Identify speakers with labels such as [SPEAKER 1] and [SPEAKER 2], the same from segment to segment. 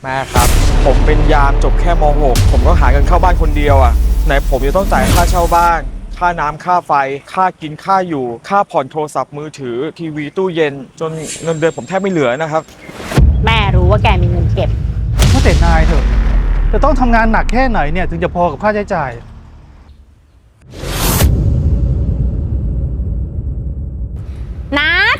[SPEAKER 1] แม่ครับผมเป็นยามจบแค่ม .6 ผมก็หาเงินเข้าบ้านคนเดียวอ่ะไหนผมจะต้องจ่ายค่าเช่าบ้านค่าน้ำค่าไฟค่ากินค่าอยู่ค่าผ่อนโทรศัพท์มือถือทีวีตู้เย็นจนเงินเดือนผมแทบไม่เหลือนะครับ
[SPEAKER 2] แม่รู้ว่าแกมีเงินเก็บ
[SPEAKER 3] ว่าแต่นายเถอะจะต้องทำงานหนักแค่ไหนเนี่ยถึงจะพอกับค่าใช้จ่าย
[SPEAKER 2] นัด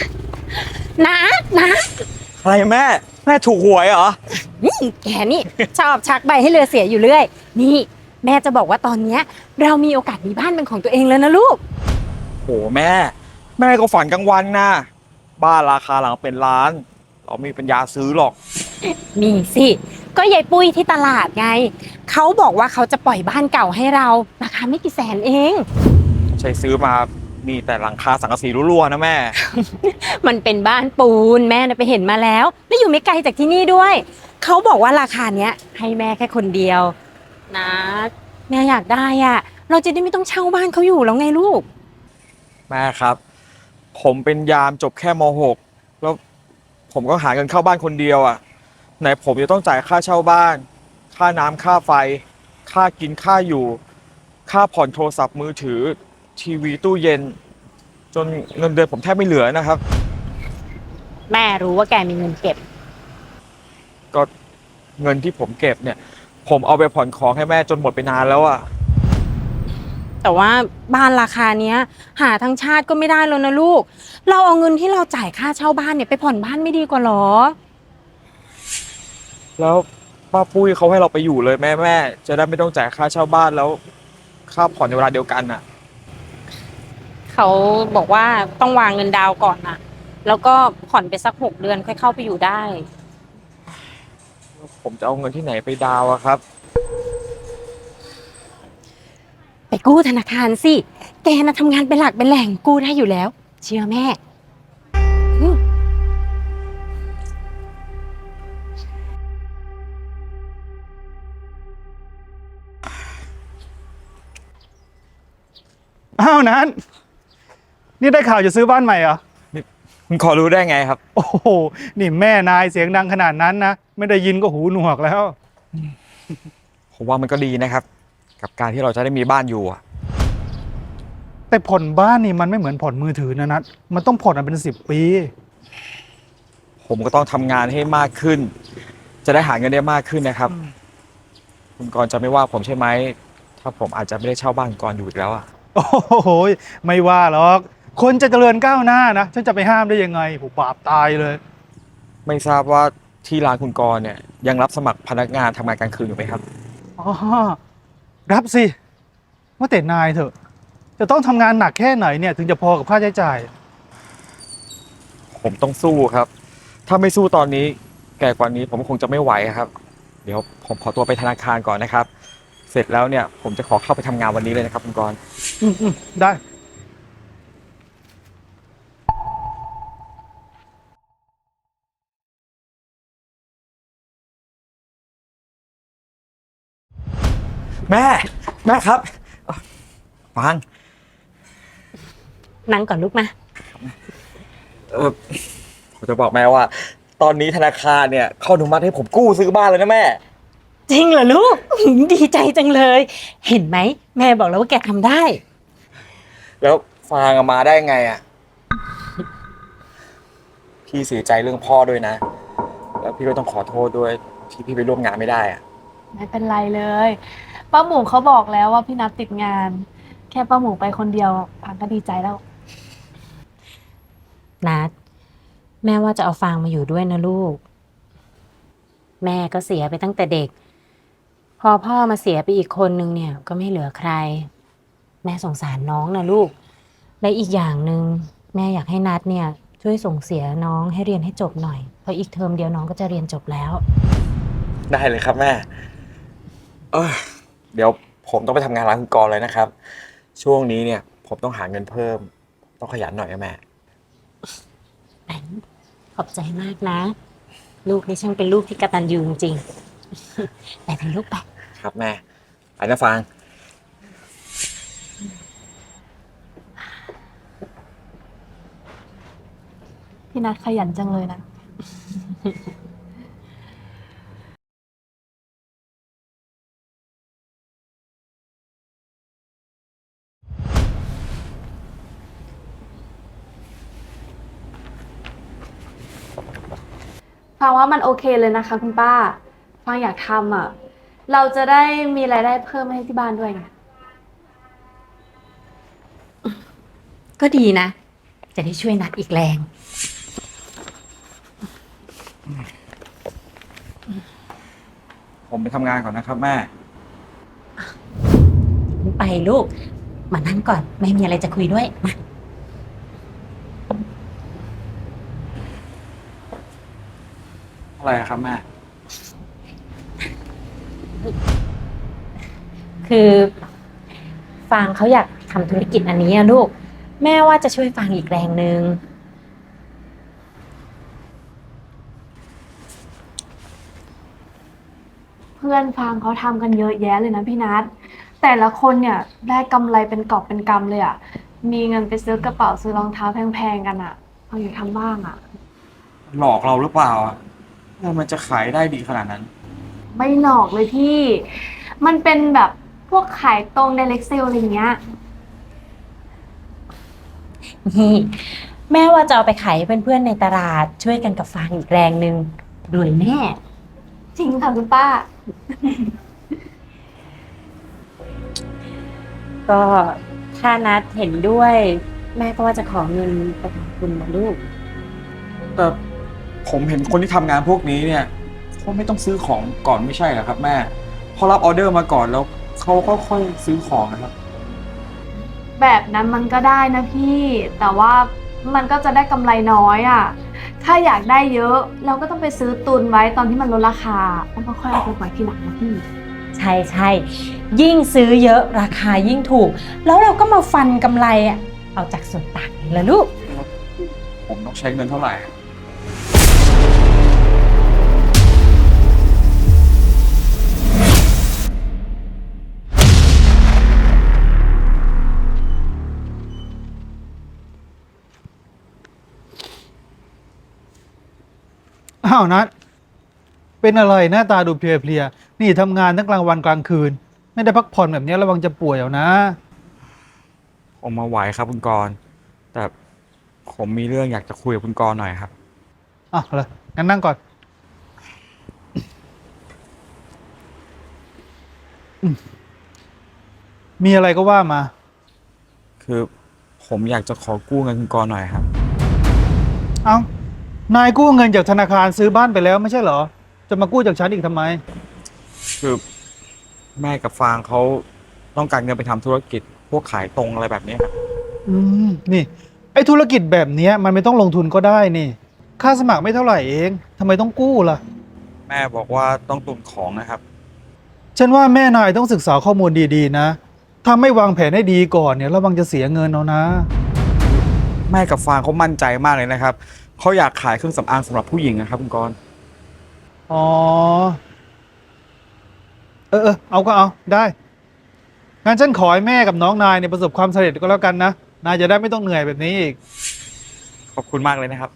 [SPEAKER 2] นัด
[SPEAKER 1] อะไรแม่ถูกหวยเหรอ
[SPEAKER 2] แกนี่ชอบชักใบให้เรือเสียอยู่เรื่อยนี่แม่จะบอกว่าตอนเนี้ยเรามีโอกาสมีบ้านเป็นของตัวเองแล้วนะลูก
[SPEAKER 1] โหแม่ก็ฝันกลางวันนะบ้านราคาหลังเป็นล้านเราไม่มีปัญญาซื้อหรอก
[SPEAKER 2] มีสิก็ยายปุ้ยที่ตลาดไงเขาบอกว่าเขาจะปล่อยบ้านเก่าให้เราราคาไม่กี่แสนเอง
[SPEAKER 1] ใช้ซื้อมามีแต่หลังคาสังกะสีรั่วๆนะแม่
[SPEAKER 2] มันเป็นบ้านปูนแม่น่ะไปเห็นมาแล้วและอยู่ไม่ไกลจากที่นี่ด้วยเขาบอกว่าราคาเนี้ยให้แม่แค่คนเดียวนะแม่อยากได้อ่ะเราจะได้ไม่ต้องเช่าบ้านเขาอยู่แล้วไงลูก
[SPEAKER 1] แม่ครับผมเป็นยามจบแค่ม .6 แล้วผมก็หาเงินเข้าบ้านคนเดียวอ่ะไหนผมจะต้องจ่ายค่าเช่าบ้านค่าน้ำค่าไฟค่ากินค่าอยู่ค่าผ่อนโทรศัพท์มือถือทีวีตู้เย็นจนเงินเดือนผมแทบไม่เหลือนะครับ
[SPEAKER 2] แม่รู้ว่าแกมีเงินเก็บ
[SPEAKER 1] ก็เงินที่ผมเก็บเนี่ยผมเอาไปผ่อนของให้แม่จนหมดไปนานแล้วอ่ะ
[SPEAKER 2] แต่ว่าบ้านราคาเนี้ยหาทั้งชาติก็ไม่ได้แล้วนะลูกเราเอาเงินที่เราจ่ายค่าเช่าบ้านเนี่ยไปผ่อนบ้านไม่ดีกว่าหรอ
[SPEAKER 1] แล้วป้าปุ้ยเขาให้เราไปอยู่เลยแม่จะได้ไม่ต้องจ่ายค่าเช่าบ้านแล้วค่าผ่อนในเวลาเดียวกันอ่ะ
[SPEAKER 2] เขาบอกว่าต้องวางเงินดาวน์ก่อนนะแล้วก็ผ่อนไปสัก6 เดือนค่อยเข้าไปอยู่ได้
[SPEAKER 1] ผมจะเอาเงินที่ไหนไปดาวอะครับ
[SPEAKER 2] ไปกู้ธนาคารสิ แกน่ะทำงานเป็นหลักเป็นแหล่งกู้ได้อยู่แล้ว เชื่อแม่อืม
[SPEAKER 3] อ้าวนั้นนี่ได้ข่าวจะซื้อบ้านใหม่เหรอ
[SPEAKER 1] คุณขอรู้ได้ไงครับ
[SPEAKER 3] โอ้โหนี่แม่นายเสียงดังขนาดนั้นนะไม่ได้ยินก็หูหนวกแล้ว
[SPEAKER 1] ผมว่ามันก็ดีนะครับกับการที่เราจะได้มีบ้านอยู่อะ
[SPEAKER 3] แต่ผ่อนบ้านนี่มันไม่เหมือนผ่อนมือถือนะนัทมันต้องผ่อนเป็น10 ปี
[SPEAKER 1] ผมก็ต้องทำงานให้มากขึ้น จะได้หาเงินได้มากขึ้นนะครับคุณกรณ์จะไม่ว่าผมใช่ไหมถ้าผมอาจจะไม่ได้เช่าบ้านคุณกรณ์อยู่อีกแล้วอะ
[SPEAKER 3] โอ้โหไม่ว่าหรอกคนจะเจริญก้าวหน้านะฉันจะไปห้ามได้ยังไงผมบาปตายเลย
[SPEAKER 1] ไม่ทราบว่าที่ร้านคุณกรณ์เนี่ยยังรับสมัครพนักงานทำงานกลางคืนอยู่ไหมครับ
[SPEAKER 3] อ๋อรับสิว่าแต่นายเถอะจะต้องทำงานหนักแค่ไหนเนี่ยถึงจะพอกับค่าใช้จ่าย
[SPEAKER 1] ผมต้องสู้ครับถ้าไม่สู้ตอนนี้แก่กว่านี้ผมคงจะไม่ไหวครับเดี๋ยวผมขอตัวไปธนาคารก่อนนะครับเสร็จแล้วเนี่ยผมจะขอเข้าไปทำงานวันนี้เลยนะครับคุณกรณ์
[SPEAKER 3] ได้
[SPEAKER 1] แม่ครับฟัง
[SPEAKER 2] นั่งก่อนลูกนะ
[SPEAKER 1] เออผมจะบอกแม่ว่า ตอนนี้ธนาคารเนี่ยเขาอนุมัติให้ผมกู้ซื้อบ้านเลยนะแม่
[SPEAKER 2] จริงเหรอลูกดีใจจังเลย เห็นไหมแม่บอกแล้วว่าแกทำได้
[SPEAKER 1] แล้วฟางมาได้ไงอ่ะพี่เสียใจเรื่องพ่อด้วยนะแล้วพี่ก็ต้องขอโทษด้วยที่พี่ไปร่วมงานไม่ได้อ่ะ
[SPEAKER 4] ไม่เป็นไรเลยป้าหมูเขาบอกแล้วว่าพี่นัทติดงาน แค่ป้าหมูไปคนเดียวพังก็ดีใจแล้ว
[SPEAKER 2] นัดแม่ว่าจะเอาฟางมาอยู่ด้วยนะลูกแม่ก็เสียไปตั้งแต่เด็กพอพ่อมาเสียไปอีกคนนึงเนี่ยก็ไม่เหลือใครแม่สงสารน้องนะลูกและอีกอย่างหนึ่งแม่อยากให้นัดเนี่ยช่วยส่งเสียน้องให้เรียนให้จบหน่อยเพราะอีกเทอมเดียวน้องก็จะเรียนจบแล้ว
[SPEAKER 1] ได้เลยครับแม่เดี๋ยวผมต้องไปทำงานร้านคุณกรณ์เลยนะครับช่วงนี้เนี่ยผมต้องหาเงินเพิ่มต้องขยันหน่อยนะแม่
[SPEAKER 2] ขอบใจมากนะลูกนี่ช่างเป็นลูกที่กตัญญูจริงๆไปเป็นลูกไป
[SPEAKER 1] ครับแม่ไปนะฟาง
[SPEAKER 4] พี่นัทขยันจังเลยนะฟังว่ามันโอเคเลยนะคะคุณป้า ฟังอยากทำอ่ะ เราจะได้มีรายได้เพิ่มให้ที่บ้านด้วยไง
[SPEAKER 2] ก็ดีนะ จะได้ช่วยนัดอีกแรง
[SPEAKER 1] ผมไปทำงานก่อนนะครับแม่
[SPEAKER 2] ไปลูก มานั่งก่อน ไม่มีอะไรจะคุยด้วยมา
[SPEAKER 1] อะไรอะครับแม่
[SPEAKER 2] คือฟางเขาอยากทำธุรกิจอันนี้อะลูก แม่ว่าจะช่วยฟางอีกแรงหนึ่ง
[SPEAKER 4] เพื่อนฟังเขาทำกันเยอะแยะเลยนะพี่นัทแต่ละคนเนี่ยได้กำไรเป็นกอบเป็นกำเลยอ่ะ มีเงินไปซื้อกระเป๋าซื้อรองเท้าแพงๆกันอ่ะฟังอยากทำบ้างอ่ะ
[SPEAKER 1] หลอกเราหรือเปล่าอะว่ามันจะขายได้ดีขนาดนั้น
[SPEAKER 4] ไม่หลอกเลยพี่ มันเป็นแบบพวกขายตรง direct sale อะไรเงี้ย
[SPEAKER 2] นี่แม่ว่าจะเอาไปขายให้เพื่อนๆในตลาดช่วยกันกับฟางอีกแรงหนึ่งรวยแน่
[SPEAKER 4] จริงค่ะคุณป้า
[SPEAKER 2] ก็ถ้านัดเห็นด้วย แม่ก็ว่าจะขอเงินไปทำทุนนะลูก
[SPEAKER 1] แต่ผมเห็นคนที่ทำงานพวกนี้เนี่ยเขาไม่ต้องซื้อของก่อนไม่ใช่เหรอครับแม่พอรับออเดอร์มาก่อนแล้วเขาก็ค่อยซื้อของนะครับ
[SPEAKER 4] แบบนั้นมันก็ได้นะพี่ แต่ว่ามันก็จะได้กำไรน้อยอ่ะ ถ้าอยากได้เยอะ เราก็ต้องไปซื้อตุนไว้ตอนที่มันลดราคาแล้วก็ค่อยเอาไปปล่อยทีหลังนะพี่
[SPEAKER 2] ใช่ใช่ยิ่งซื้อเยอะราคายิ่งถูก แล้วเราก็มาฟันกำไรอ่ะเอาจากส่วนต่างนี่ละลูก
[SPEAKER 1] ผมต้องใช้เงินเท่าไหร่
[SPEAKER 3] อ้าวนัดเป็นอะไรหน้าตาดูเพลียๆนี่ทำงานทั้งกลางวันกลางคืน ไม่ได้พักผ่อนแบบนี้ระวังจะป่วยเอานะ
[SPEAKER 1] ผมมาไหวครับคุณกรณ์แต่ผมมีเรื่องอยากจะคุยกับคุณกรณ์หน่อยครับ
[SPEAKER 3] อ่ะเลยงั้นนั่งก่อนอืมมีอะไรก็ว่ามา
[SPEAKER 1] คือผมอยากจะขอกู้เงินคุณกรณ์หน่อยครับ
[SPEAKER 3] เอ้านายกู้เงินจากธนาคารซื้อบ้านไปแล้วไม่ใช่เหรอ จะมากู้จากฉันอีกทำไม
[SPEAKER 1] คือแม่กับฟางเขาต้องการเงินไปทำธุรกิจพวกขายตรงอะไรแบบนี้ครับ
[SPEAKER 3] นี่ไอ้ธุรกิจแบบเนี้ยมันไม่ต้องลงทุนก็ได้นี่ ค่าสมัครไม่เท่าไหร่เองทำไมต้องกู้ล่ะ
[SPEAKER 1] แม่บอกว่าต้องตุนของนะครับ
[SPEAKER 3] ฉันว่าแม่นายต้องศึกษาข้อมูลดีๆนะถ้าไม่วางแผนให้ดีก่อนเนี่ยระวังจะเสียเงินเอานะ
[SPEAKER 1] แม่กับฟางเขามั่นใจมากเลยนะครับเขาอยากขายเครื่องสำอางสำหรับผู้หญิงนะครับคุณกรณ์
[SPEAKER 3] อ๋อ เอาก็เอาได้งั้นฉันขอให้แม่กับน้องนายเนี่ยประสบความสำเร็จก็แล้วกันนะนายจะได้ไม่ต้องเหนื่อยแบบนี้อีก
[SPEAKER 1] ขอบคุณมากเลยนะครับ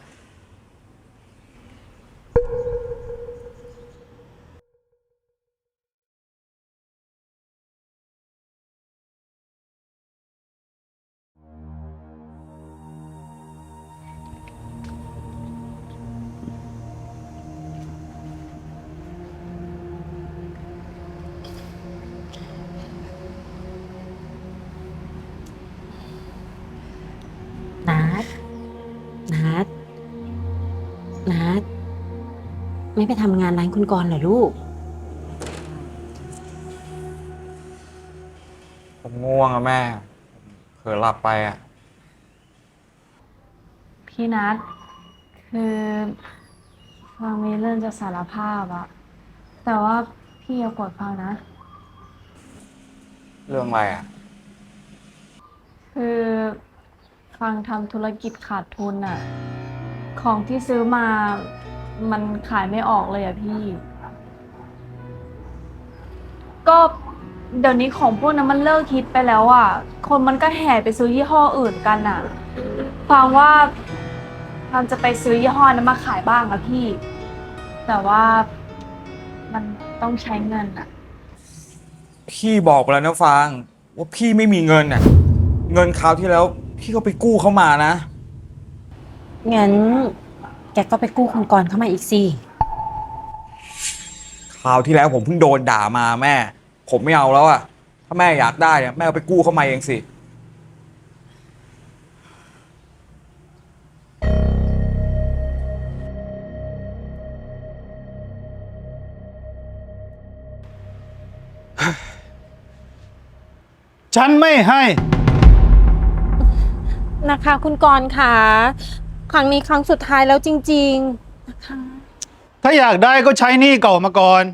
[SPEAKER 2] นัดนัดนัดไม่ไปทำงานร้านคุณกรณ์เหรอลูก
[SPEAKER 1] ผมง่วงอะแม่เผลอหลับไปอะ
[SPEAKER 4] พี่นัทคือฟังมีเรื่องจะสารภาพอะแต่ว่าพี่อย่าโกรธฟังนะ
[SPEAKER 1] เรื่องอะไรอะ
[SPEAKER 4] คือฟังทำธุรกิจขาดทุนอะของที่ซื้อมามันขายไม่ออกเลยอะพี่ ก็เดี๋ยวนี้ของพวกนั้นมันเลิกฮิตไปแล้วอะคนมันก็แห่ไปซื้อยี่ห้ออื่นกันอะฟังว่าฟังจะไปซื้อยี่ห้อนั้นมาขายบ้างอะพี่ แต่ว่ามันต้องใช้เงินอะ
[SPEAKER 1] พี่บอกไปแล้วนะฟางว่าพี่ไม่มีเงินอะเงินคราวที่แล้วพี่ก็ไปกู้เขามานะ
[SPEAKER 2] งั้นแกก็ไปกู้คุณกรณ์เข้ามาอีกสิ
[SPEAKER 1] ราวที่แล้วผมเพิ่งโดนด่ามาแม่ ผมไม่เอาแล้วอะถ้าแม่อยากได้เนี่ยแม่เอาไปกู้เข้ามาเองสิ
[SPEAKER 3] ฉันไม่ให้
[SPEAKER 2] นะคะ คุณกรณ์ค่ะครั้งนี้ครั้งสุดท้ายแล้วจริงๆนะคะ
[SPEAKER 3] ถ้าอยากได้ก็ใช้หนี้เก่ามาก่อน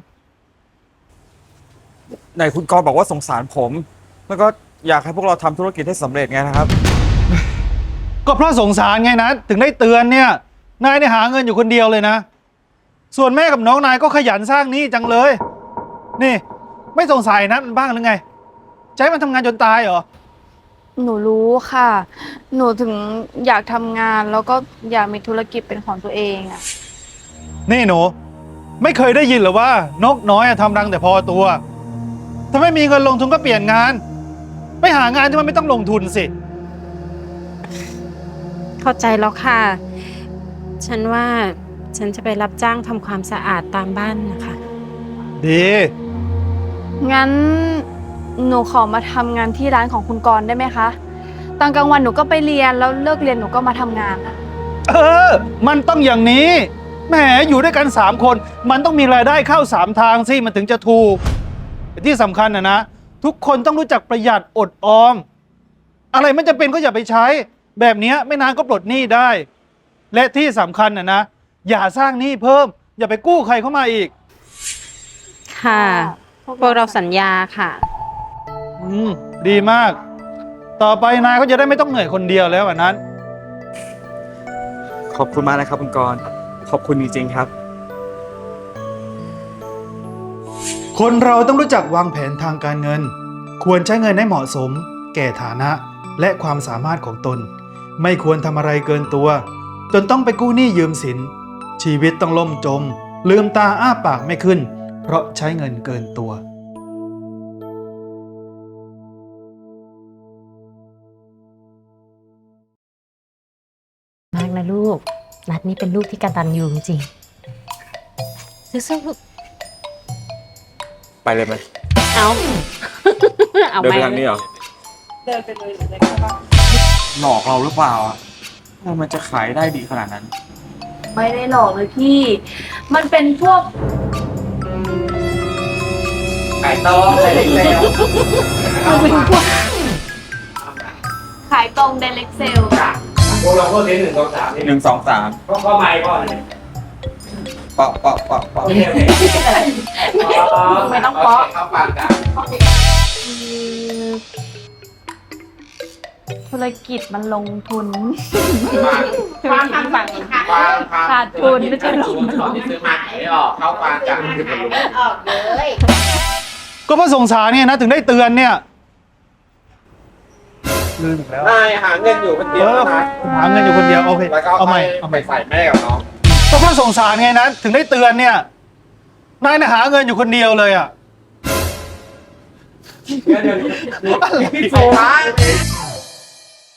[SPEAKER 1] ไหนคุณกรณ์บอกว่าสงสารผม แล้วก็อยากให้พวกเราทำธุรกิจให้สำเร็จไงนะครับ
[SPEAKER 3] ก็เพราะสงสารไงนะถึงได้เตือนเนี่ย นายเนี่ยหาเงินอยู่คนเดียวเลยนะ ส่วนแม่กับน้องนายก็ขยันสร้างหนี้จังเลย นี่ ไม่สงสัยนะมันบ้างหรือไงใช้มันทำงานจนตายเหรอ
[SPEAKER 4] หนูรู้ค่ะ หนูถึงอยากทำงานแล้วก็อยากมีธุรกิจเป็นของตัวเองอะ
[SPEAKER 3] นี่หนู ไม่เคยได้ยินหรือว่านกน้อยอะทำรังแต่พอตัว ถ้าไม่มีเงินลงทุนก็เปลี่ยนงาน ไปหางานที่มันไม่ต้องลงทุนสิ
[SPEAKER 2] เข้าใจแล้วค่ะ ฉันว่าฉันจะไปรับจ้างทำความสะอาดตามบ้านนะคะ
[SPEAKER 3] ดี
[SPEAKER 4] งั้นหนูขอมาทำงานที่ร้านของคุณกรณ์ได้ไหมคะตอนกลางวันหนูก็ไปเรียนแล้วเลิกเรียนหนูก็มาทำงานอะ
[SPEAKER 3] เออ มันต้องอย่างนี้ แหม อยู่ด้วยกัน3 คน มันต้องมีรายได้เข้า3 ทางสิ มันถึงจะถูกแต่ที่สำคัญนะ ทุกคนต้องรู้จักประหยัดอดออม อะไรไม่จำเป็นก็อย่าไปใช้ แบบเนี้ยไม่นานก็ปลดหนี้ได้ และที่สำคัญนะ อย่าสร้างหนี้เพิ่ม อย่าไปกู้ใครเข้ามาอีก
[SPEAKER 2] ค่ะ พวกเราสัญญาค่ะ
[SPEAKER 3] ดีมาก ต่อไปนายก็จะได้ไม่ต้องเหนื่อยคนเดียวแล้ววันนั้น
[SPEAKER 1] ขอบคุณมากนะครับคุณกรณ์ขอบคุณจริงๆครับ
[SPEAKER 3] คนเราต้องรู้จักวางแผนทางการเงิน ควรใช้เงินให้เหมาะสม แก่ฐานะ และความสามารถของตน ไม่ควรทำอะไรเกินตัว จนต้องไปกู้หนี้ยืมสิน ชีวิตต้องล่มจม ลืมตาอ้าปากไม่ขึ้น เพราะใช้เงินเกินตัว
[SPEAKER 2] มากนะลูก นัดนี่เป็นลูกที่กตัญญูจริงๆสู้ๆลูก
[SPEAKER 1] ไปเลยไหม
[SPEAKER 2] เอา เอา
[SPEAKER 1] เดิน
[SPEAKER 2] ไหม
[SPEAKER 1] ไปทางนี้เหรอ เดินไปเลยหรือหลอกเราหรือเปล่าอ่ะมันจะขายได้ดีขนาดนั้น
[SPEAKER 4] ไม่ได้หลอกเลยพี่ มันเป็นพวก
[SPEAKER 5] ไก่ต้มไข่เล็กแล้ว
[SPEAKER 4] ขายตรง direct sale
[SPEAKER 5] พวกเราพวกนี้1 2 3นี่
[SPEAKER 1] 1 2 3
[SPEAKER 5] ก็ไม้ก่อนเลย
[SPEAKER 1] ปะปะปะปะ
[SPEAKER 5] โอเคโอเค
[SPEAKER 4] ไม่ต้องเปาะ
[SPEAKER 5] เข้าปากกัน
[SPEAKER 4] ธุรกิจมันลงทุน
[SPEAKER 5] วาง
[SPEAKER 4] ขาดทุนไม่ใช่ลงทุน
[SPEAKER 5] ของที่ซื้อมาขายไม่ออกเข้าปากกันคือผล
[SPEAKER 6] ออกเลย
[SPEAKER 3] ก็เพราะสงสารเนี่ยนะถึงได้เตือนเนี่ยลืมอีกแล้ว
[SPEAKER 5] นายหาเงินอยู่คนเดียวนะ
[SPEAKER 3] หาเงินอยู่คนเดียวโอเค
[SPEAKER 5] แล้วก็
[SPEAKER 3] เอาใหม่
[SPEAKER 5] เอาไปใส่แม่กับน้อง
[SPEAKER 3] ก็เพราะสงสารไงนะถึงได้เตือนเนี่ยนายเนี่ยหาเงินอยู่คนเดียวเลยอ่ะ
[SPEAKER 5] เดี๋ยวพี่โฟ